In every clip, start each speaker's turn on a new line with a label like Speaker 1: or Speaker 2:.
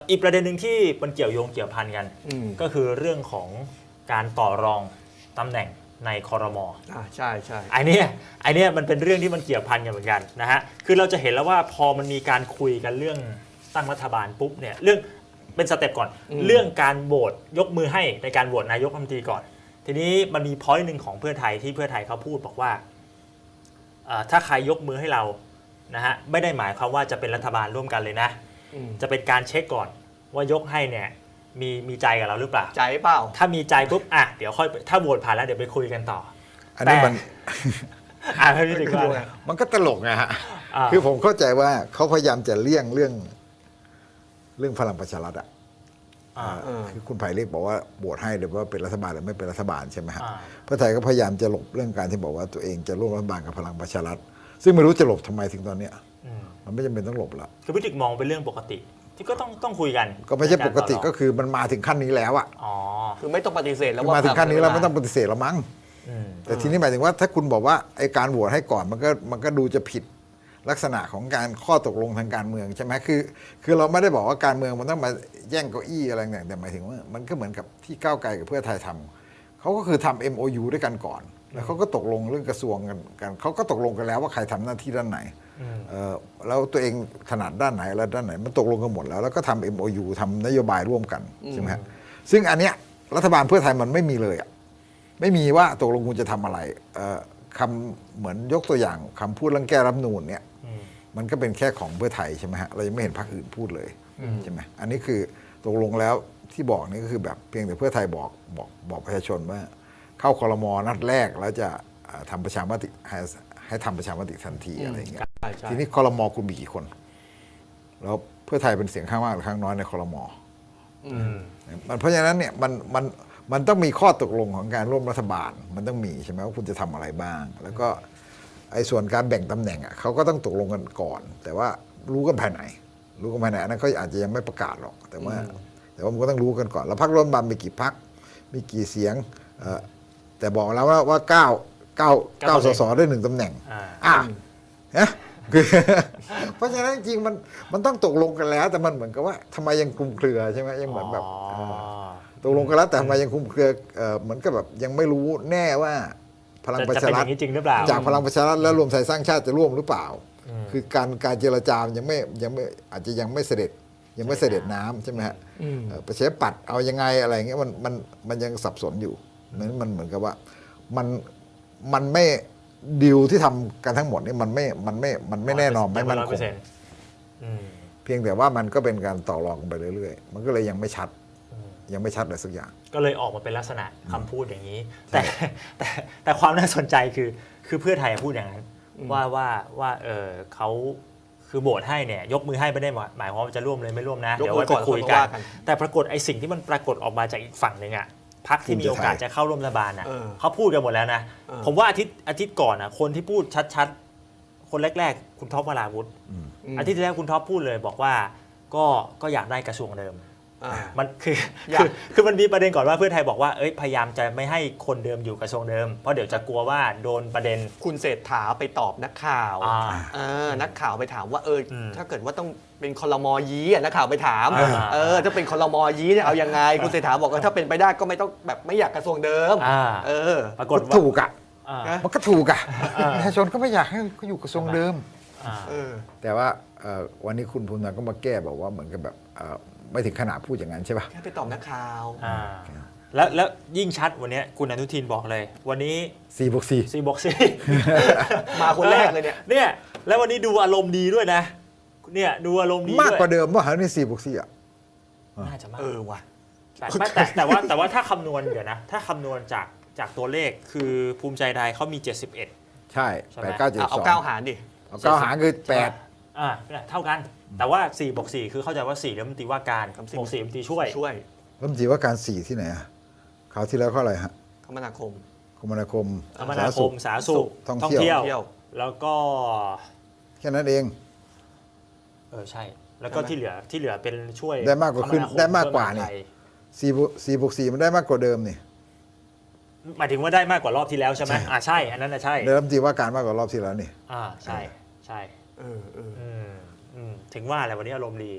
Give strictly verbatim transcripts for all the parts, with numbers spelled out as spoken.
Speaker 1: อีกประเด็นหนึ่งที่มันเกี่ยวโยงเกี่ยวพันกันก็คือเรื่องของการต่อรองตำแหน่งในครม.
Speaker 2: อ่าใช่ใช่
Speaker 1: ไอ้นี่ไอ้นี่มันเป็นเรื่องที่มันเกี่ยวพันกันเหมือนกันนะฮะคือเราจะเห็นแล้วว่าพอมันมีการคุยกันเรื่องตั้งรัฐบาลปุ๊บเนี่ยเรื่องเป็นสเต็ปก่อนเรื่องการโหวตยกมือให้ในการโหวตนายกรัฐมนตรีก่อนทีนี้มันมีพอยต์หนึ่งของเพื่อไทยที่เพื่อไทยเขาพูดบอกว่าถ้าใครยกมือให้เรานะฮะไม่ได้หมายความว่าจะเป็นรัฐบาลร่วมกันเลยนะจะเป็นการเช็คก่อนว่ายกให้เนี่ยมีมีใจกับเราหรือเปล่า
Speaker 2: ใจเปล่า
Speaker 1: ถ้ามีใจปุ๊บอ่ะเดี๋ยวค่อยถ้าโหวตผ่านแล้วเดี๋ยวไปคุยกันต่อ
Speaker 3: อันนี้มัน
Speaker 1: อ่าพี่ถึงว่า
Speaker 3: มันก็ตลกนะฮะคือผมเข้าใจว่าเขาพยายามจะเลี่ยงเรื่องเรื่องพลังประชารัฐอ่ะคือคุณไผ่เรียกบอกว่าโหวตให้หรือว่าเป็นรัฐบาลหรือไม่เป็นรัฐบาลใช่ไหมฮะเพื่อไทยก็พยายามจะหลบเรื่องการที่บอกว่าตัวเองจะร่วมรัฐบาลกับพลังประชารัฐซึ่งไม่รู้จะหลบทำไมถึงตอนเนี้ยมันไม่จำเป็นต้องหลบละ
Speaker 1: คือพี่ถึงมองเป็นเรื่องปกติที่ก็ต้องต้องคุยกัน
Speaker 3: ก็ไม่ใช่ปกติก็คือมันมาถึงขั้นนี้แล้วอ่ะ
Speaker 1: อ๋อ
Speaker 2: คือไม่ต้องปฏิเสธแล้วว่า
Speaker 3: มาถึงขั้นนี้แล้วไม่ต้องปฏิเสธแล้วมั้งแต่ทีนี้หมายถึงว่าถ้าคุณบอกว่าไอ้การโหวตให้ก่อนมันก็มันก็ดูจะผิดลักษณะของการข้อตกลงทางการเมืองใช่ไหมคือคือเราไม่ได้บอกว่าการเมืองมันต้องมาแย่งเก้าอี้อะไรอย่างแต่หมายถึงว่ามันก็เหมือนกับที่ก้าวไกลกับเพื่อไทยทำเขาก็คือทำ เอ็ม โอ ยู ด้วยกันก่อนแล้วเขาก็ตกลงเรื่องกระทรวงกันกันเขาก็ตกลงกันแล้วว่าใครทำหน้าที่ด้านไหนแล้วตัวเองถนัดด้านไหนแล้วด้านไหนมันตกลงกันหมดแล้วแล้วก็ทำ เอ็ม โอ ยู ทำนโยบายร่วมกันใช่ไหมซึ่งอันเนี้ยรัฐบาลเพื่อไทยมันไม่มีเลยอ่ะไม่มีว่าตกลงคุณจะทำอะไรคำเหมือนยกตัวอย่างคำพูดเรื่องแก้รัฐธรรมนูญเนี่ยมันก็เป็นแค่ของเพื่อไทยใช่ไหมฮะเรายังไม่เห็นพรรคอื่นพูดเลยใช่ไหมอันนี้คือตกลงแล้วที่บอกนี่ก็คือแบบเพียงแต่เพื่อไทยบอกบอกบอกประชาชนว่าเข้าครม.นัดแรกแล้วจะทำประชามติให้ให้ทำประชามติทันทีอะไรอย่างเงี้ยทีนี้ครม.คุณมีกี่คนแล้วเพื่อไทยเป็นเสียงข้างมากหรือข้างน้อยในครม.มันเพราะฉะนั้นเนี่ยมันมันมันต้องมีข้อตกลงของการร่วมรัฐบาลมันต้องมีใช่ไหมว่าคุณจะทำอะไรบ้างแล้วก็ไอ้ส่วนการแบ่งตำแหน่งอ่ะเขาก็ต้องตกลงกันก่อนแต่ว่ารู้กันภายในรู้กันภายในอันนั้นเขาอาจจะยังไม่ประกาศหรอกแต่ว่าแต่ว่ามันก็ต้องรู้กันก่อนแล้วพรรคร่วมรัฐบาลมีกี่พรรคมีกี่เสียงแต่บอกแล้วว่าว่าเก้าเก้าเก้าสสได้หนึ่งตำแหน่งอ่านะคือเพราะฉะนั้นจริงมันมันต้องตกลงกันแล้วแต่มันเหมือนกับว่าทำไมยังคลุมเครือใช่ไหมยังเหมือนแบบตกลงกันแล้วแต่ทำไมยังคลุมเครือเหมือนกับแบบยังไม่รู้แน่ว่าพลังประชารัฐ
Speaker 1: จริงหรือเปล่า
Speaker 3: จากพลังประชารัฐและรวมไทยสร้างชาติจะร่วมหรือเปล่าคือการการเจรจายังไม่ยังไม่อาจจะยังไม่เสด็จยังไม่เสด็จน้ำใช่ไหมฮะประชาธิปัตย์เอายังไงอะไรเงี้ยมันมันมันยังสับสนอยู่นั้นมันเหมือนกับว่ามันมันไม่ดีลที่ทำกันทั้งหมดนี่มันไม่มันไม่มันไม่แน่นอนไม่มั่นคงเพียงแต่ว่ามันก็เป็นการต่อรองไปเรื่อยๆมันก็เลยยังไม่ชัดยังไม่ชัดเลยสักอย่าง
Speaker 1: ก็เลยออกมาเป็นลักษณะคำพูดอย่างนี้แต่แต่แต่ความน่าสนใจคือคือเพื่อไทยพูดอย่างนั้นว่าว่าว่าเออเขาคือโหวตให้เนี่ยยกมือให้ไม่ได้หมายความว่าจะร่วมเลยไม่ร่วมนะเดี๋ยวไว้ไปคุยกันแต่ปรากฏไอ้สิ่งที่มันปรากฏออกมาจากอีกฝั่งหนึ่งอ่ะพรรคที่มีโอกาสจะเข้าร่วมรัฐบาลนะเขาพูดกันหมดแล้วนะผมว่าอาทิตย์อาทิตย์ก่อนนะคนที่พูดชัดๆคนแรกๆคุณท็อปวราวุธอาทิตย์ที่แล้วคุณท็อปพูดเลยบอกว่าก็ก็อยากได้กระทรวงเดิมมันคือคือคือมันมีประเด็นก่อนว่าเพื่อไทยบอกว่าเอ้ยพยายามจะไม่ให้คนเดิมอยู่กระทรวงเดิมเพราะเดี๋ยวจะกลัวว่าโดนประเด็น
Speaker 2: คุณเศรษฐาไปตอบนักข่าวนักข่าวไปถามว่าเออถ้าเกิดว่าต้องเป็นคลม.ยี้นักข่าวไปถามเออถ้าเป็นคลม.ยี้เนี่ยเอายังไงคุณเศรษฐาบอกว่าถ้าเป็นไปได้ก็ไม่ต้องแบบไม่อยากกระทรวงเดิมเออ
Speaker 3: ปรากฏถูกอ่ะมันก็ถูกอ่ะประชาชนก็ไม่อยากให้เขาอยู่กระทรวงเดิมแต่ว่าวันนี้คุณภูมิธรรมก็มาแก้บอกว่าเหมือนกับแบบไม่ถึงขนาดพูดอย่างนั้นใช่ป่ะ
Speaker 2: แค่ไปตอบนักข่าว
Speaker 1: แล้วแล้วยิ่งชัดวันนี้คุณอนุทินบอกเลยวันนี้
Speaker 3: สี่บวกสี่
Speaker 1: สี่บวกสี่
Speaker 2: มาคนแรกเลยเนี่ย
Speaker 1: เนี่ยแล้ววันนี้ดูอารมณ์ดีด้วยนะเนี่ยดูอารมณ์ดี
Speaker 3: มากกว่าเดิมว่าหาในสี่บวกสี่อ่ะ
Speaker 1: น่าจะมาก
Speaker 2: เออว่ะ
Speaker 1: แต่แต่ว่าแต่ว่าถ้าคำนวณเดี๋ยวนะถ้าคำนวณจากจากตัวเลขคือภูมิใจไทยเขามีเจ็ดสิบเอ็ด
Speaker 3: ใช่แปดเก้าเจ็ดสอง
Speaker 2: เอาเก้าหารดิ
Speaker 3: เอาเก้าหารคือแปด
Speaker 1: อ่าเท่ากันแต่ว่าสี่บวกสี่คือเข้าใจว่าสี่รัฐมนตรีว่าการบวกสี่รัฐมนตรีช่วย
Speaker 2: ช่วย
Speaker 3: รัฐมนตรีว่าการสี่ที่ไหนอ่ะคราวที่แล้วเขาอะไรฮะ
Speaker 2: คมนาคม
Speaker 3: คมนาคม
Speaker 1: คมนาคมสาธารณสุขท่องเที่ยวแล้วก็
Speaker 3: แค่นั้นเอง
Speaker 1: เออใช่แล้วก็ที่เหลือที่เหลือเป็นช่วย
Speaker 3: ได้มากกว่าขึ้นได้มากกว่านี่สี่สี่บวกสี่มันได้มากกว่าเดิมนี่
Speaker 1: หมายถึงว่าได้มากกว่ารอบที่แล้วใช่ไหมอ่าใช่อันนั้นนะใช่
Speaker 3: ได้รัฐมนตรีว่าการมากกว่ารอบที่แล้วนี่
Speaker 1: อ่าใช่ใช่เออเออถึงว่าอะไรวันนี้อารมณ์ดี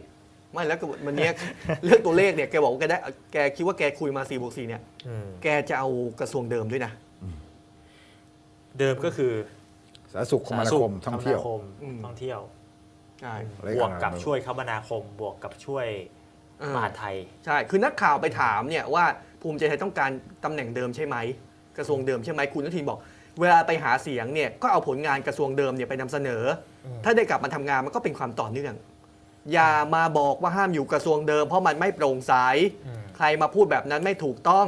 Speaker 2: ไม่แล้วก็วันเนี้ย เรื่องตัวเลขเนี่ยแกบอกว่าแกได้แกคิดว่าแกคุยมาสี่บวกสี่เนี่ย
Speaker 1: อืม
Speaker 2: แกจะเอากระทรวงเดิมด้วยนะ
Speaker 1: เดิมก็คือ
Speaker 3: สาธารณสุขคมนาคมท่องเที่ยว
Speaker 1: คม
Speaker 2: อืม
Speaker 1: ท่องเที่ยว
Speaker 2: ใช่
Speaker 3: อะไร
Speaker 1: บวกกับ
Speaker 3: อะไร
Speaker 1: ช่วยคมนาคม บวกกับช่วย
Speaker 2: อ่าม
Speaker 1: มหาดไทย
Speaker 2: ใช่คือนักข่าวไปถามเนี่ยว่าภูมิใจไทยต้องการตำแหน่งเดิมใช่ไหมกระทรวงเดิมใช่ไหมคุณอนุทินบอก เวลาไปหาเสียงเนี่ยก็เอาผลงานกระทรวงเดิมเนี่ยไปนำเสนอ ถ้าได้กลับมาทำงานมันก็เป็นความต่อเนื่อง อย่ามาบอกว่าห้ามอยู่กระทรวงเดิมเพราะมันไม่โปร่งใส
Speaker 1: อืม
Speaker 2: ใครมาพูดแบบนั้นไม่ถูกต้อง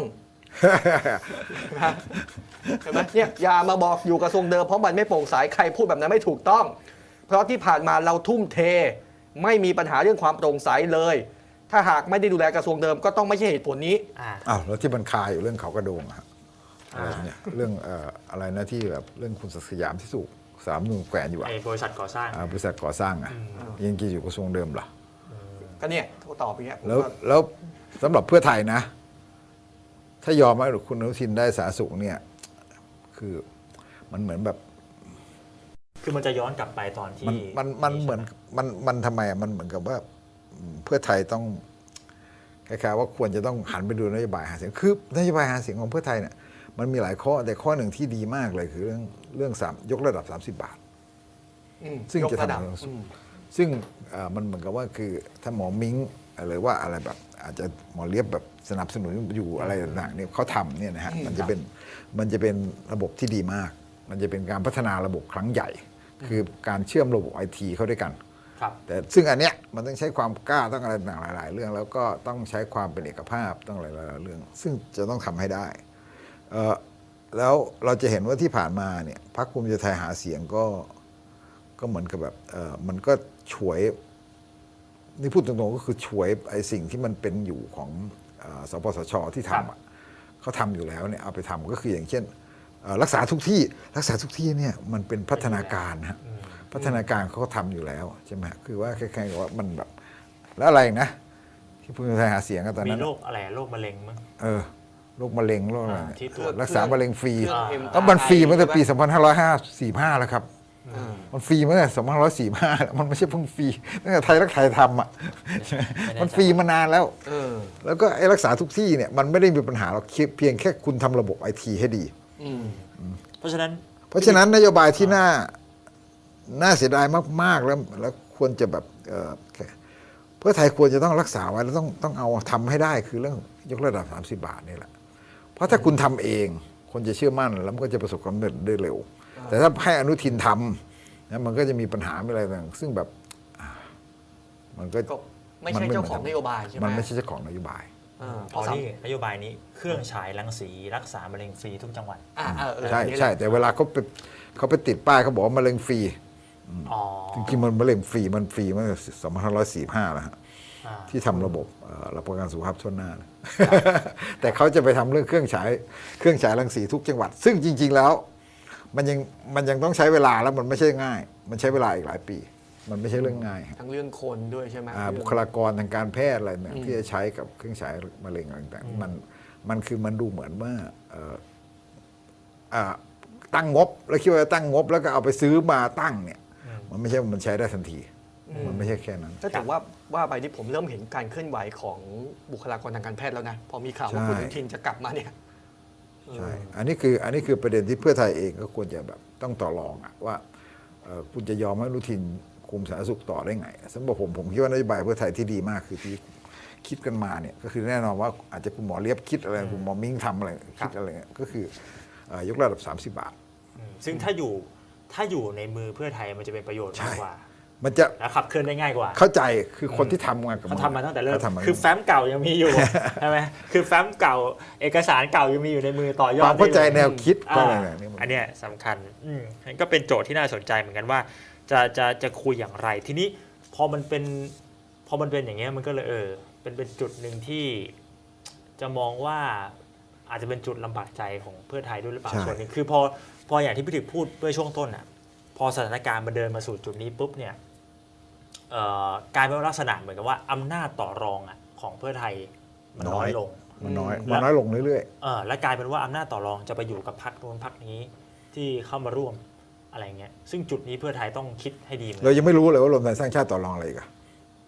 Speaker 2: เห็นไหมเนี่ยอย่ามาบอกอยู่กระทรวงเดิมเพราะมันไม่โปร่งใสใครพูดแบบนั้นไม่ถูกต้อง เพราะที่ผ่านมาเราทุ่มเท ไม่มีปัญหาเรื่องความโปร่งใสเลย ถ้าหากไม่ได้ดูแลกระทรวงเดิมก็ต้องไม่ใช่เหตุผลนี้
Speaker 1: อ่า
Speaker 3: อ้าวแล้วที่มันคาอยู่เรื่องเขากระโดงอะฮะอะไร
Speaker 1: อ่า
Speaker 3: เนี่ยเรื่องเอ่ออะไรนะที่แบบเรื่องคุณศักดิ์สยามที่สุสามนูนแขวนอยู่อะ
Speaker 1: ไอ้บริษัทก่อสร้าง
Speaker 3: อ่าบริษัทก่อสร้างอะยังกินอยู่กระทรวงเดิมเหรอ
Speaker 2: ก็เนี่ยเขาตอบอย่างเงี้ยผม
Speaker 3: แล้ว
Speaker 2: ว่า
Speaker 3: แล้วสำหรับเพื่อไทยนะ ถ้ายอมให้คุณอนุทินได้สาธารณสุขเนี่ย คือมันเหมือนแบบ
Speaker 1: คือมันจะย้อนกลับไปตอนที่
Speaker 3: มันมันมันเหมือนมันมันทำไมอะมันเหมือนกับว่าอืมเพื่อไทยต้องคล้ายๆว่าควรจะต้องหันไปดูนโยบายหาเสียงคือนโยบายหาเสียงของเพื่อไทยเนี่ยมันมีหลายข้อแต่ข้อหนึ่งที่ดีมากเลยคือเรื่องเรื่องสามยกระดับ สามสิบบาท
Speaker 2: อืม
Speaker 3: ซึ่ง
Speaker 2: ยก
Speaker 3: จะ
Speaker 2: ระดับ
Speaker 3: ทำให้เราสุข
Speaker 2: อืม
Speaker 3: ซึ่งเอ่อมันเหมือนกับว่าคือถ้าหมอมิ้งหรือว่าอะไรแบบ อาจจะหมอเลียบแบบสนับสนุนอยู่อะไรต่างๆเนี่ยเขาทำเนี่ยนะฮะ
Speaker 2: อืม
Speaker 3: มันจะเป็นมันจะเป็นระบบที่ดีมาก มันจะเป็นการพัฒนาระบบครั้งใหญ่ คือการเชื่อมระบบไอทีเข้าด้วยกัน
Speaker 1: ครับ
Speaker 3: แต่ซึ่งอันเนี้ยมันต้องใช้ความกล้าต้องอะไรต่างๆหลาย ๆ เรื่อง แล้วก็ต้องใช้ความเป็นเอกภาพต้องหลายๆเรื่อง ซึ่งจะต้องทำให้ได้เอ่อแล้วเราจะเห็นว่าที่ผ่านมาเนี่ยพรรคภูมิใจไทยหาเสียงก็ก็เหมือนกับแบบเอ่อมันก็ฉวยนี่พูดตรงๆก็คือฉวยไอ้สิ่งที่มันเป็นอยู่ของเอ่อสปสชที่
Speaker 1: ครับ
Speaker 3: ทำอะเขาทำอยู่แล้วเนี่ยเอาไปทำก็คืออย่างเช่นเอ่อรักษาทุกที่รักษาทุกที่เนี่ยมันเป็นพัฒนาการนะฮะ
Speaker 1: อืม
Speaker 3: พัฒนาการเขาก็ทำอยู่แล้วใช่ไหมคือว่าคล้ายๆกับว่ามันแบบแล้วอะไรอีกนะ ที่ภูมิใจไทยหาเสียงกันตอน
Speaker 1: มี
Speaker 3: นั้น
Speaker 1: โรคอะไรโรคมะเร็งมั้ง
Speaker 3: เออโรคมะเร็งโรคอะไร
Speaker 1: อ่า
Speaker 3: เนี่ย
Speaker 1: ที่ตรวจ
Speaker 3: รักษามะเร็งฟรี
Speaker 2: เครื่อง
Speaker 1: อ่า
Speaker 2: เอ็ม
Speaker 3: แล้วมันฟรีมาตั้งแต่ปี
Speaker 2: ใช่
Speaker 3: ส
Speaker 2: ไห
Speaker 3: องพันห้าร้อยสี่สิบห้า แล้วครับ
Speaker 2: อ่า
Speaker 3: มันฟรีมาตั้งแต่สองพันห้าร้อยสี่สิบห้าแล้วมันไม่ใช่เพิ่งฟรีตั้งแต่ไทยรักไทยทำอ่ะ
Speaker 1: ไม่แน่ใจ
Speaker 3: มันฟรีมานานแล้ว
Speaker 2: เออ
Speaker 3: แล้วก็ไอ้รักษาทุกที่เนี่ยมันไม่ได้มีปัญหาหรอกเพียงแค่คุณทำระบบไอทีให้ดี
Speaker 2: อืม
Speaker 1: เพราะฉะนั้น
Speaker 3: เพราะฉะนั้นนโยบายที่น่าน่าเสียดายมาก ๆ แล้วแล้วควรจะแบบเอ่อเพื่อไทยควรจะต้องรักษาไว้แล้วต้องต้องเอาทำให้ได้คือเรื่องยกระดับ สามสิบบาทนี่แหละ เพราะถ้าคุณทำเอง คนจะเชื่อมั่นแล้วมันก็จะประสบความสำเร็จได้เร็ว แต่ถ้าให้อนุทินทำนะมันก็จะมีปัญหาอะไรต่างซึ่งแบบอ่ามันก็
Speaker 2: ก็ไม่ใช่เจ้าของนโยบายใช่ไหม
Speaker 3: มันไม่ใช่เจ้าของนโยบาย
Speaker 2: อ่า
Speaker 1: อ๋อนี่นโยบายนี้เครื่องฉายรังสีรักษามะเร็งฟรีทุกจังหวัด
Speaker 2: อ่าเออเออ
Speaker 3: ใช่
Speaker 2: อันนี้แหละ
Speaker 3: ใช่แต่เวลาเขาไปเขาไปติดป้ายเขาบอกว่ามะเร็งฟรี
Speaker 1: อ๋อ
Speaker 3: จริงๆมันมะเร็งฟรีมันฟรีมาตั้งแต่สองพันห้าร้อยสี่สิบห้าแล้วฮะ
Speaker 1: อ่า
Speaker 3: ที่ทำระบบเอ่อรับประกันสุขภาพทั่วหน้านะ แต่เขาจะไปทำเรื่องเครื่องฉายเครื่องฉายรังสีทุกจังหวัด ซึ่งจริง ๆ แล้ว มันยังมันยังต้องใช้เวลาแล้วมันไม่ใช่ง่าย มันใช้เวลาอีกหลายปี มันไม่ใช่เรื่องง่ายครับ
Speaker 2: ทั้งเรื่องคนด้วยใช่ไหม
Speaker 3: อ่า
Speaker 2: เรื่อง
Speaker 3: บุคลากรทางการแพทย์อะไรเนี่ย
Speaker 2: อืม
Speaker 3: ที่จะใช้กับเครื่องฉายมะเร็งอะไรต่างๆมันมันคือมันดูเหมือนว่าเอ่ออ่าตั้งงบแล้วคิดว่าตั้งงบแล้วก็เอาไปซื้อมาตั้งเนี่ย มันไม่ใช่ว่ามันใช้ได้ทันที มันไม่ใช่แค่นั้น
Speaker 2: ถ้าถือว่าว่าไปที่ผมเริ่มเห็นการเคลื่อนไหวของบุคลากรทางการแพทย์แล้วนะ พอมีข่าวว่า
Speaker 3: ใช่
Speaker 2: คุณอนุทินจะกลับมาเนี่ย
Speaker 3: ใช่ อันนี้คืออันนี้คือประเด็นที่เพื่อไทยเองก็ควรจะแบบต้องต่อรองอะว่าเอ่อคุณจะยอมให้อนุทินคุมสาธารณสุขต่อได้ไงสำหรับผมผมคิดว่านโยบายเพื่อไทยที่ดีมากคือที่คิดกันมาเนี่ยก็คือแน่นอนว่าอาจจะคุณหมอเลียบคิดอะไรคุณหมอมิ้งทำอะไรคิดอะไรเงี้ยก็คือเอ่อยกระดับ สามสิบบาท
Speaker 1: อืมซึ่งถ้าอยู่ถ้าอยู่ในมือเพื่อไทยมันจะเป็นประโยชน์
Speaker 3: ใช่
Speaker 1: มากกว่า
Speaker 3: มันจะ
Speaker 1: และขับเคลื่อนได้ง่ายกว่า
Speaker 3: เข้าใจคือคนที่ทำงานกับ
Speaker 1: เขาทำมาตั้งแต่เริ่ม
Speaker 3: ขทำมา
Speaker 1: คือแฟ้มเก่ายังมีอยู่ ใช่ไหมคือแฟ้มเก่าเอกสารเก่ายังมีอยู่ในมือต่อยอ
Speaker 3: ค
Speaker 1: ด
Speaker 3: วามเข้าใจ
Speaker 1: ได้ลย
Speaker 3: แนวคิด
Speaker 1: อ่า
Speaker 3: ก็อะไรเนี่ยนี่มัน
Speaker 1: อันเนี้ยสำคัญอืมนั่นก็เป็นโจทย์ที่น่าสนใจเหมือนกันว่า จะจะจะคุยอย่างไร ทีนี้พอมันเป็นพอมันเป็นอย่างเงี้ยมันก็เลยเออเป็นเป็นจุดหนึ่งที่จะมองว่าอาจจะเป็นจุดลำบากใจของเพื่อไทยด้วยหรือเปล่า
Speaker 3: ใช่
Speaker 1: ส่วนหนึ่งคือพอพออย่างที่พี่ถึกพูดเมื่อช่วงต้นอ่ะพอสถานการณ์มันเดินมาสู่จุดนี้ปุ๊บเนี่ยเอ่อกลายเป็นลักษณะเหมือนกับว่าอำนาจต่อรองอ่ะของเพื่อไทยมันน้อยลง
Speaker 3: มันน้อย
Speaker 1: อืม
Speaker 3: มันน้อยลงเรื่อย
Speaker 1: เออและกลายเป็นว่าอำนาจต่อรองจะไปอยู่กับพรรคนู้นพรรคนี้ที่เข้ามาร่วมอะไรเงี้ยซึ่งจุดนี้เพื่อไทยต้องคิดให้ดีเหมือน
Speaker 3: ๆ
Speaker 1: กั
Speaker 3: เรา
Speaker 1: น
Speaker 3: ยังไม่รู้เลยว่ารวมไทยสร้างชาติต่อรองอะไรอีกัน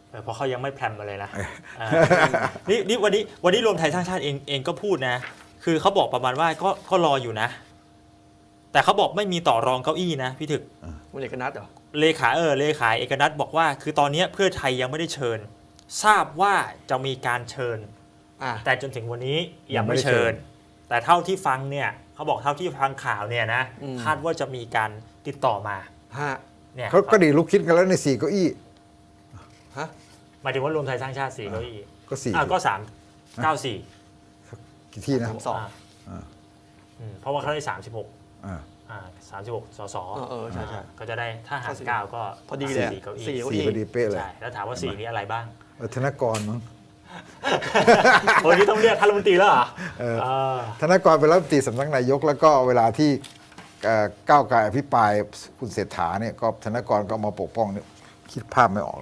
Speaker 1: เออเพราะเขายังไม่แพรมมาเลยนะเออนี่นี่วันนี้วันนี้รวมไทยสร้างชาติเองเองก็พูดนะ คือเขาบอกประมาณว่าก็ก็รออยู่นะ แต่เขาบอกไม่มีต่อรองเก้าอี้นะพี่ถึก
Speaker 2: คุณเอกนัทเหรอ
Speaker 1: เลขาเออเลขาเอกนัทบอกว่า คือตอนนี้เพื่อไทยยังไม่ได้เชิญ ทราบว่าจะมีการเชิญ
Speaker 2: อ่า
Speaker 1: แต่จนถึงวันนี้ยังไม่เชิญ แต่เท่าที่ฟังเนี่ยเขาบอกเท่าที่ฟังข่าวเนี่ยนะ
Speaker 2: อืม
Speaker 1: คาดว่าจะมีการติดต่อมา
Speaker 2: ฮะ
Speaker 1: เนี่ย
Speaker 3: เขาก็ดีลุกคิดกันแล้วในสี่เก้าอี้
Speaker 2: ฮะ
Speaker 1: หมายถึงว่ารวมไทยสร้างชาติสี่เก้าอี้
Speaker 3: ก็สี่
Speaker 1: อ่ะก็สามเก้าสี่
Speaker 3: กี่ที่นะ
Speaker 2: สามสอง
Speaker 1: อ่า
Speaker 3: อ่า
Speaker 1: อืมเพราะว่าเขาได้สามสิบหก
Speaker 3: อ่า
Speaker 1: อ่าสามสิบหกสส
Speaker 2: เออเออใช่ใช่
Speaker 1: ก็จะได้ถ้าหาร
Speaker 2: เข้าสี่
Speaker 1: เก้าก็
Speaker 2: พอดีเลยอะ
Speaker 1: สี่เก้าอี้
Speaker 2: สี่เก้า
Speaker 3: สี่พอดีเป๊ะเลย
Speaker 1: ใช่แล้วถามว่าสี่นี้อะไรบ้าง
Speaker 3: เออธนกรมั้ง
Speaker 1: โอ้ยนี่ต้องเรียกท่านรัฐมนตรีแล้วเหรอ
Speaker 3: เออ
Speaker 1: เออ
Speaker 3: ธนกรเป็นรัฐมนตรีสำนักนายก แล้วก็เวลาที่เอ่อก้าวไกลอภิปรายคุณเศรษฐาเนี่ยก็ธนกรก็มาปกป้องเนี่ยคิดภาพไม่ออกเลย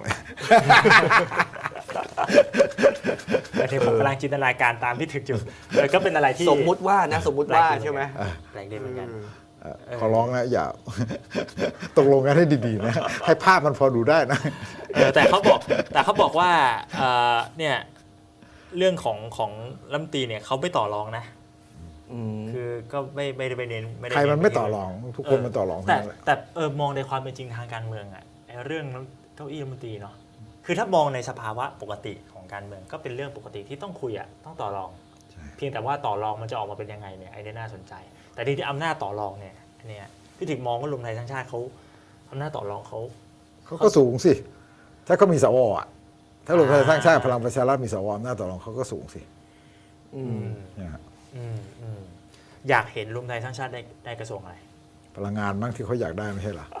Speaker 1: แต่ที่ผมกำลังจินตนาการตามที่ถึกอยู่เออก็เป็นอะไรที่
Speaker 2: สมมุติว่านะสมมุติว่าใช่ไหม
Speaker 1: แปลกดีเหมือนกัน
Speaker 3: เอ่อขอร้องนะอย่า ตกลงกันให้ดีๆนะ ให้ภาพมันพอดูได้นะ
Speaker 1: เออแต่เขาบอกแต่เขาบอกว่าเอ่อเนี่ยเรื่องของของรัฐมนตรีเนี่ยเขาไม่ต่อรองนะ
Speaker 2: อืม
Speaker 1: คือก็ไม่ไม่ได้ไปเน้นไม่ได้
Speaker 3: ใครมันไม่
Speaker 1: เที่
Speaker 3: ต่อรอง ทุกคนมันต่อรอง
Speaker 1: แต่
Speaker 3: ทั้งนั้นแหละ
Speaker 1: แต่เออมองในความเป็นจริงทางการเมืองอะไอ้เรื่องเก้าอี้รัฐมนตรีเนาะคือถ้ามองในสภาวะปกติของการเมืองก็เป็นเรื่องปกติที่ต้องคุยอะต้องต่อรอง
Speaker 3: ใช่
Speaker 1: เพียงแต่ว่าต่อรองมันจะออกมาเป็นยังไงเนี่ยไอ้นี่น่าสนใจ แต่ที่ที่อำนาจต่อรองเนี่ยอันเนี่ยพี่ถึงมองว่ารวมไทยสร้างชาติเขาอำนาจต่อรองเขา
Speaker 3: เขาก็สูงสิ ถ้าเขามีสวอ่ะ ถ้ารวมไทยสร้างชาติพลังประชารัฐมีสวอำนาจต่อรองเขาก็สูงสิ
Speaker 2: อืม
Speaker 3: เนี่ยฮะ
Speaker 1: อืมอืมอยากเห็นรวมไทยสร้างชาติได้ได้กระทรวงอะไร
Speaker 3: พลังงานมั้งที่เขาอยากได้ไม่ใช่เหรอ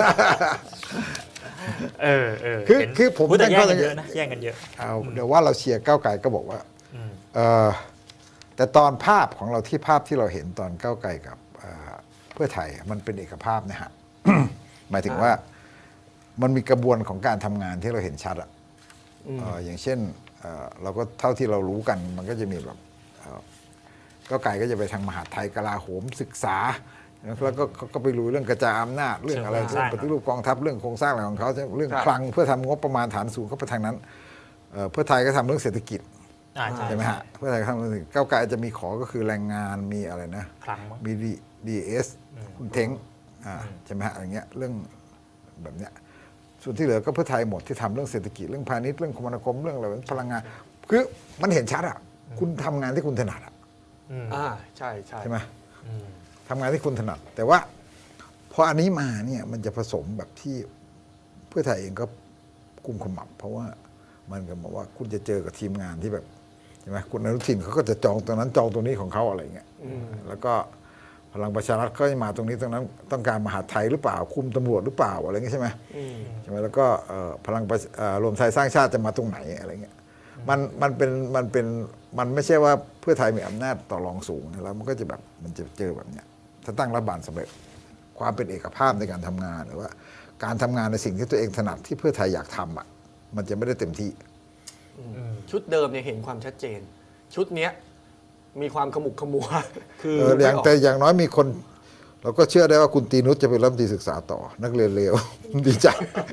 Speaker 1: เออเออ
Speaker 3: คือ
Speaker 1: เห็น
Speaker 3: คือผม
Speaker 1: พูดแต่
Speaker 3: ตั้ง
Speaker 1: แย่ง
Speaker 3: ข้อสั
Speaker 1: กัน
Speaker 3: งเกต
Speaker 1: เยอะนะแย่งกันเยอะ
Speaker 3: เอาเดี๋ยวว่าเราเชียร์ก้าวไกลก็บอกว่า
Speaker 1: อืม
Speaker 3: เออแต่ตอนภาพของเราที่ภาพที่เราเห็นตอนก้าวไกลกับเอ่อเพื่อไทยมันเป็นเอกภาพนะฮ ะ หมายถึงว่ามันมีกระบวนของการทำงานที่เราเห็นชัดอะ
Speaker 2: อืม
Speaker 3: เอ่ออย่างเช่นเอ่อเราก็เท่าที่เรารู้กันมันก็จะมีแบบเอ่อก้าวไกลก็จะไปทางมหาดไทยกลาโหมศึกษา แล้วก็ก็ก็ไปรู้เรื่องกระจายอำนาจเรื่องอะไร
Speaker 1: เชิงโครงส
Speaker 3: เรื่อ
Speaker 1: ร้าง ง
Speaker 3: ปฏิรูปกองทัพเรื่องโครงสร้างอะไรของเขาเรื่อง
Speaker 2: ครับ
Speaker 3: คลังเพื่อทำงบประมาณฐานสูงเข้าไปทางนั้นเอ่อเพื่อไทยก็ทำเรื่องเศรษฐกิจ
Speaker 1: อ่าใช่
Speaker 3: ใช่ไหมฮะเพื่อไทยก็ทำเรื่องเศรษฐกิจก้าวไกลจะมีขอก็คือแรงงานมีอะไรนะ
Speaker 1: ครั้งมั้ง
Speaker 3: มีดีเอส
Speaker 1: อืม
Speaker 3: คุณเท้งอ่า
Speaker 1: อืม
Speaker 3: ใช่ไหมฮะอย่างเงี้ยเรื่องแบบเนี้ยส่วนที่เหลือก็เพื่อไทยหมดที่ทำเรื่องเศรษฐกิจเรื่องพาณิชย์เรื่องคมนาคมเรื่องอะไรพลังงานคือมันเห็นชัดอ่ะคุณทำงานที่คุณถนัดอ่ะ
Speaker 1: อืม
Speaker 2: อ่าใช่ใช่
Speaker 3: ใช่ไหม
Speaker 1: อืม
Speaker 3: ทำงานที่คุณถนัด แต่ว่าพออันนี้มาเนี่ยมันจะผสมแบบที่เพื่อไทยเองก็กุมขมับ เพราะว่ามันก็บอกว่าคุณจะเจอกับทีมงานที่แบบใช่ไหมคุณอนุทินเขาก็จะจองตรงนั้นจองตรงนี้ของเขาอะไรเงี้ย
Speaker 2: อืม
Speaker 3: แล้วก็พลังประชารัฐก็จะมาตรงนี้ตรงนั้นต้องการมหาดไทยหรือเปล่า คุมตำรวจหรือเปล่าอะไรเงี้ยใช่ไหม
Speaker 2: อืม
Speaker 3: ใช่ไหมแล้วก็เอ่อพลังประเอ่อรวมไทยสร้างชาติจะมาตรงไหนอะไรเงี้ยมันมันเป็นมันเป็นมันไม่ใช่ว่าเพื่อไทยมีอำนาจต่อรองสูงนะแล้วมันก็จะแบบมันจะเจอแบบเนี้ยถ้าตั้งรัฐบาลสำเร็จความเป็นเอกภาพในการทำงานหรือว่า การทำงานในสิ่งที่ตัวเองถนัดที่เพื่อไทยอยากทำอ่ะมันจะไม่ได้เต็มที่
Speaker 2: ชุดเดิมเนี่ยเห็นความชัดเจน ชุดเนี้ยมีความขมุกขมัว คือ
Speaker 3: เอออย่าง
Speaker 2: ไม่ก
Speaker 3: แต่อย่างน้อยมีคน เราก็เชื่อได้ว่าคุณตีนุชจะเป็นรัฐมนตรีศึกษาต่อ นักเรียนเลว ดีใจ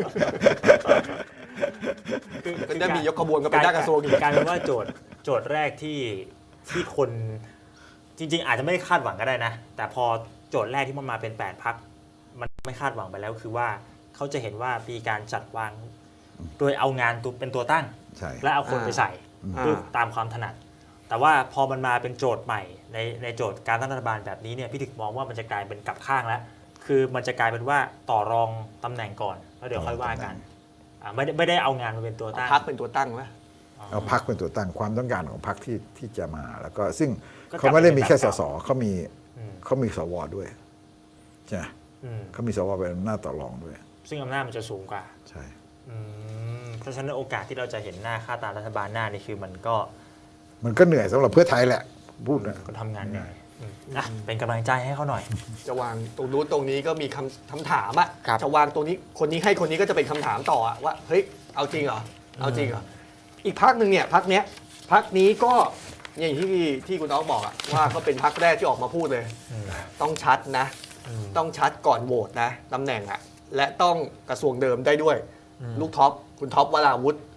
Speaker 2: ก็ได้มียกขบวนกันไปได้กระทรวงอีก
Speaker 1: กลายเป็นว่าโจทย์โจทย์แรกที่ที่คนจริง ๆ อาจจะไม่ได้คาดหวังก็ได้นะ แต่พอโจทย์แรกที่มันมาเป็นแปดพรรคมันไม่คาดหวังไปแล้วคือว่าเขาจะเห็นว่ามีการจัดวาง โดยเอางานตัวเป็นตัวตั้ง
Speaker 3: ใช่
Speaker 1: และเอาคนไปใส่
Speaker 2: อ่า
Speaker 1: เพื่อตามความถนัด แต่ว่าพอมันมาเป็นโจทย์ใหม่ในในโจทย์การตั้งรัฐบาลแบบนี้เนี่ยพี่ถึกมองว่ามันจะกลายเป็นกลับข้างแล้ว คือมันจะกลายเป็นว่าต่อรองตำแหน่งก่อนแล้วเดี๋ยวค่อยว่ากันอ่าไม่ได้ไม่ได้เอางานมาเป็นตัวตั้ง
Speaker 2: พักเป็นตัวตั้งไหม
Speaker 3: เอาพักเป็นตัวตั้งความต้องการของพักที่ที่จะมา แล้วก็ซึ่ง
Speaker 1: ก็กลับ
Speaker 3: เขาไม่ได้มีแค่
Speaker 1: ไป
Speaker 3: ส
Speaker 1: เป็นแบบ
Speaker 3: ส
Speaker 1: เก่า
Speaker 3: เขามี
Speaker 1: อืม
Speaker 3: เขามีสวด้วยใช่ไหม
Speaker 1: อืม
Speaker 3: เขามีสวเป็นอำนาจต่อรองด้วย
Speaker 1: ซึ่งอำนาจมันจะสูงกว่า
Speaker 3: ใช่
Speaker 1: อืมเพราะฉะนั้นโอกาสที่เราจะเห็นหน้าค่าตารัฐบาลหน้านี่คือมันก็
Speaker 3: มันก็เหนื่อยสำหรับเพื่อไทยแหละพูดนะ
Speaker 1: ก็ทำงานเหนื่อยอืมอ่ะเป็นกำลังใจให้เขาหน่อย
Speaker 2: จะวางตรงนู้นตรงนี้ก็มีคำคำถามอะ
Speaker 1: ครับ
Speaker 2: จะวางตรงนี้คนนี้ให้คนนี้ก็จะเป็นคำถามต่ออะว่าเฮ้ยเอาจริงเหรอเอาจริงเหรออีกพักหนึ่งเนี่ยพักเนี้ยพักนี้ก็อย่างที่ที่คุณน้องบอกอะว่าก็เป็นพักแรกที่ออกมาพูดเลย
Speaker 1: อืม
Speaker 2: ต้องชัดนะ
Speaker 1: อืม
Speaker 2: ต้องชัดก่อนโหวตนะตำแหน่งอะและต้องกระทรวงเดิมได้ด้วย
Speaker 1: อืม
Speaker 2: ลูกท็อปคุณท็อปวราวุธ
Speaker 1: อ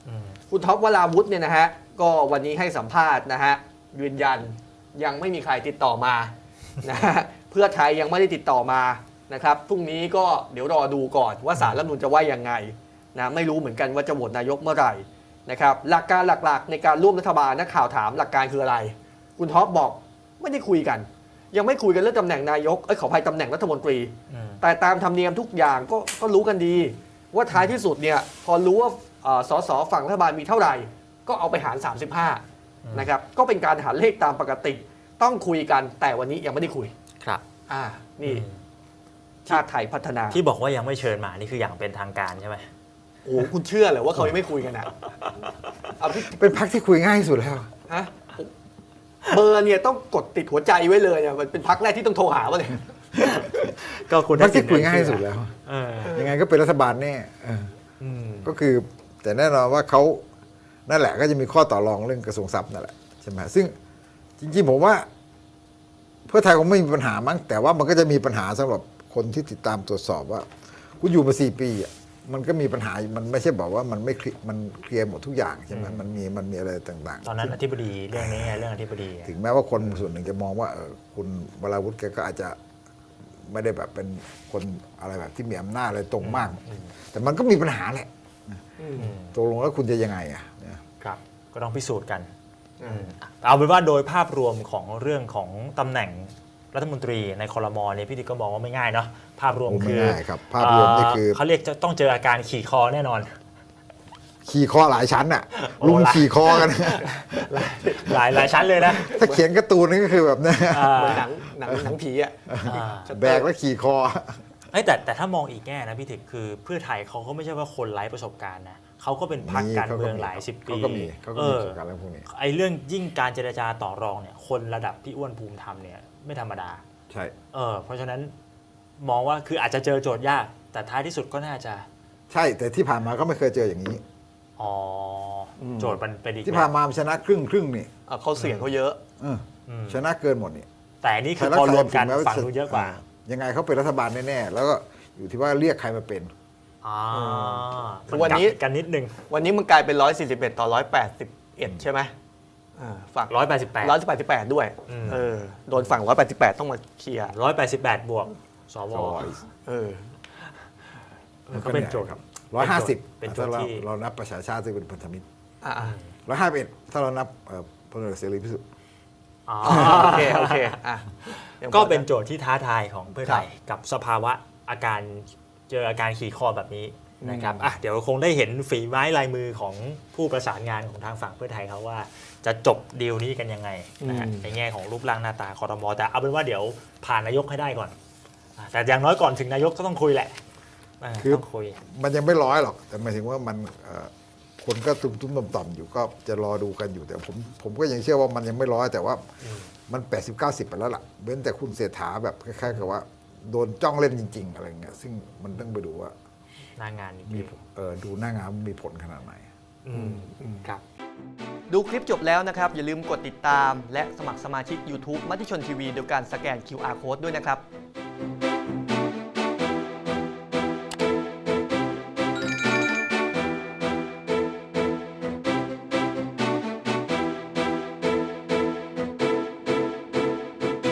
Speaker 2: คุณท็อปวราวุธเนี่ยนะฮะก็วันนี้ให้สัมภาษณ์นะฮะยืนยันยังไม่มีใครติดต่อมานะฮะเพื่อไทยยังไม่ได้ติดต่อมานะครับพรุ่งนี้ก็เดี๋ยวรอดูก่อนว่าศาลรัฐธรรมนูญจะว่ายังไงนะไม่รู้เหมือนกันว่าจะโหวตนายกเมื่อไหร่นะครับหลักการหลักๆในการร่วมรัฐบาลนักข่าวถามหลักการคืออะไรคุณท็อปบอกไม่ได้คุยกัน ยังไม่คุยกันเรื่องตำแหน่งนายกเอ้ยขออภัยตำแหน่งรัฐมนตรี แต่ตามธรรมเนียมทุกอย่างก็ก็รู้กันดี ว่าท้ายที่สุดเนี่ยพอรู้ว่าสสฝั่งรัฐบาลมีเท่าไหร่ก็เอาไปหารสามสิบห้านะครับก็เป็นการหารเลขตามปกติต้องคุยกันแต่วันนี้ยังไม่ได้คุย
Speaker 1: ครับ
Speaker 2: อ่านี่ชาติไทยพัฒนา
Speaker 1: ที่บอกว่ายังไม่เชิญมานี่คืออย่างเป็นทางการใช่ไหม
Speaker 2: โอ้คุณเชื่อเหรอว่าเขายังไม่คุยกันอ่ะเอาพี่
Speaker 3: เป็นพรรคที่คุยง่ายที่สุดแล้ว
Speaker 2: ฮะเบอร์เนี่ยต้องกดติดหัวใจไว้เลยเนี่ยมันเป็นพักแรกที่ต้องโทรหาว่าเลย
Speaker 1: ก็คุณ
Speaker 3: พรรคที่คุยง่ายที่สุดแล้ว
Speaker 1: เออ
Speaker 3: ยังไงก็เป็นรัฐบาลแน่เออ
Speaker 1: อืม
Speaker 3: ก็คือแต่แน่นอนว่าเขานั่นแหละก็จะมีข้อต่อรองเรื่องกระทรวงทรัพย์นั่นแหละใช่ไหมซึ่งจริงๆผมว่า เพื่อไทยคงไม่มีปัญหามั้งแต่ว่ามันก็จะมีปัญหาสำหรับคนที่ติดตามตรวจสอบว่าคุณอยู่มาสี่ปีอ่ะมันก็มีปัญหามันไม่ใช่บอกว่ามันไม่เคลียร์มันเคลียร์หมดทุกอย่างใช่ไหมมันมีมันมีอะไรต่างๆ
Speaker 1: ตอนนั้นอธิบดีเรื่องนี้ไงเรื่องอธิบดี
Speaker 3: ถึงแม้ว่าคนส่วนหนึ่งจะมองว่าเออคุณวราวุธแกก็อาจจะไม่ได้แบบเป็นคนอะไรแบบที่มีอำนาจอะไรตรงมาก แต่มันก็มีปัญหาแหละตกลงแล้วคุณจะยังไงอ่ะ
Speaker 1: ครับก็ต้องพิสูจน์กันเอาเป็นว่าโดยภาพรวมของเรื่องของตำแหน่งรัฐมนตรีในครมเนี่ยพี่ติ๊กก็มองว่าไม่ง่ายเนาะภาพรวม
Speaker 3: โอ้
Speaker 1: คือ
Speaker 3: ไม่ง่ายครับภาพรวมนี่คือ
Speaker 1: เขาเรียกจะต้องเจออาการขี่คอแน่นอน
Speaker 3: ขี่คอหลายชั้นอ่ะ
Speaker 1: โอ้
Speaker 3: ลุม
Speaker 1: หลาย
Speaker 3: ขี่คอกัน
Speaker 1: หลายหลายชั้นเลยนะ
Speaker 3: ถ้าเขียนการ์ตูนนี่ก็คือแบบเนี้ย
Speaker 1: อ่า
Speaker 2: เหมือนหนังหนังหนังผีอ่ะ
Speaker 1: อ่า
Speaker 3: แบกแล้วขี่คอ
Speaker 1: เอ้ยแต่แต่ถ้ามองอีกแง่นะพี่ติ๊กคือเพื่อไทยเขาก็ไม่ใช่ว่าคนไร้ประสบการณ์นะเขาก็เป็นพรรคการเมืองหลายสิบปี
Speaker 3: เขาก็มีเขาก็
Speaker 1: เอ
Speaker 3: มี
Speaker 1: อ
Speaker 3: ประสบการณ์เรื่องพวกนี้
Speaker 1: ไอ้เรื่องยิ่งการเจรจาต่อรองเนี่ยคนระดับพี่อ้วนภูมิธรรมเนี่ยไม่ธรรมดา
Speaker 3: ใช่
Speaker 1: เออเพราะฉะนั้นมองว่าคืออาจจะเจอโจทย์ยาก แต่ท้ายที่สุดก็น่าจะ
Speaker 3: ใช่แต่ที่ผ่านมาก็ไม่เคยเจออย่างนี้
Speaker 1: อ๋ออโจทย์มันเป็นอีก
Speaker 3: ที่ผ่านมามันชนะครึ่งครึ่งนี่
Speaker 2: อ่ะเขาเสียงเขาเยอะ
Speaker 3: เออ
Speaker 1: อืม
Speaker 3: ชนะเกินหมดนี่
Speaker 1: แต่อันนี่คือ
Speaker 3: ไทย
Speaker 1: พอรวมกัน
Speaker 3: ถึงแว่า
Speaker 1: ฝั่งนู้นเยอะกว่า
Speaker 3: ยังไงเขาเป็นรัฐบาลแน่ๆแล้วก็อยู่ที่ว่าเรียกใครมาเป็น
Speaker 1: อ่า
Speaker 2: คือวันนี้
Speaker 1: มักลับกันนิดนึง
Speaker 2: วันนี้มันกลายเป็นหนึ่งร้อยสี่สิบเอ็ดต่อหนึ่งร้อยแปดสิบเอ็ดใช่ไหมอ่าฝั่ง
Speaker 1: ร้อยแปดสิบแปด
Speaker 2: หนึ่งร้อยแปดสิบแปดด้วย
Speaker 1: อืม
Speaker 2: เออโดนฝั่งหนึ่งร้อยแปดสิบแปดต้องมาเคลียร์
Speaker 1: ร้อยแปดสิบแปดบวกสว
Speaker 2: เออ
Speaker 1: มันก็เป็นโจทย์
Speaker 3: ครับร้อยห้าสิบ
Speaker 1: เป็นโจท
Speaker 3: ถ้า
Speaker 1: ย์
Speaker 3: เรา
Speaker 1: ที่
Speaker 3: เรานับประชาชาติซึ่งเป็นพันธมิตร
Speaker 2: อ่า
Speaker 3: ร้อยห้าสิบเอ็ดถ้าเรานับเอ่อพลเอกเสรีพิสุทธิ์
Speaker 1: อ๋อ
Speaker 2: โอเคโอเคอ่ะยังพอ
Speaker 1: ก็เป็นโจทย์ที่ท้าทายของเพื่อไทย
Speaker 2: ครับ
Speaker 1: กับสภาวะอาการเจออาการขี่คอแบบนี้นะครับอ่ะเดี๋ยวคงได้เห็นฝีไม้ลายมือของผู้ประสานงานของทางฝั่งเพื่อไทยเขาว่าจะจบดีลนี้กันยังไงนะฮะในแง่ของรูปร่างหน้าตาคอรมอแต่เอาเป็นว่าเดี๋ยวผ่านนายกให้ได้ก่อนอ่ะแต่อย่างน้อยก่อนถึงนายกก็ต้องคุยแหละอ่ะ
Speaker 3: คือ
Speaker 1: ต้องคุย
Speaker 3: มันยังไม่ร้อยหรอก แต่หมายถึงว่ามันเอ่อคนก็ตุ้มตุ้มต่อมต่อมอยู่ก็จะรอดูกันอยู่แต่ผมผมก็ยังเชื่อว่ามันยังไม่ร้อยแต่ว่ามันแปดสิบเก้าสิบไปแล้วล่ะเว้นแต่คุณเศรษฐาแบบคล้ายๆกับว่าโดนจ้องเล่นจริง ๆ อะไรเงี้ยซึ่งมันต้องไปดูว่า
Speaker 1: หน้างานจ
Speaker 3: มี
Speaker 1: ริง
Speaker 3: เออดูหน้างานมีผลขนาดไหน
Speaker 1: ๆอืมครับ
Speaker 2: ดูคลิปจบแล้วนะครับ อย่าลืมกดติดตามและสมัครสมาชิก YouTube มติชนทีวีโดยการสแกน คิว อาร์ Code ด้วยนะครับ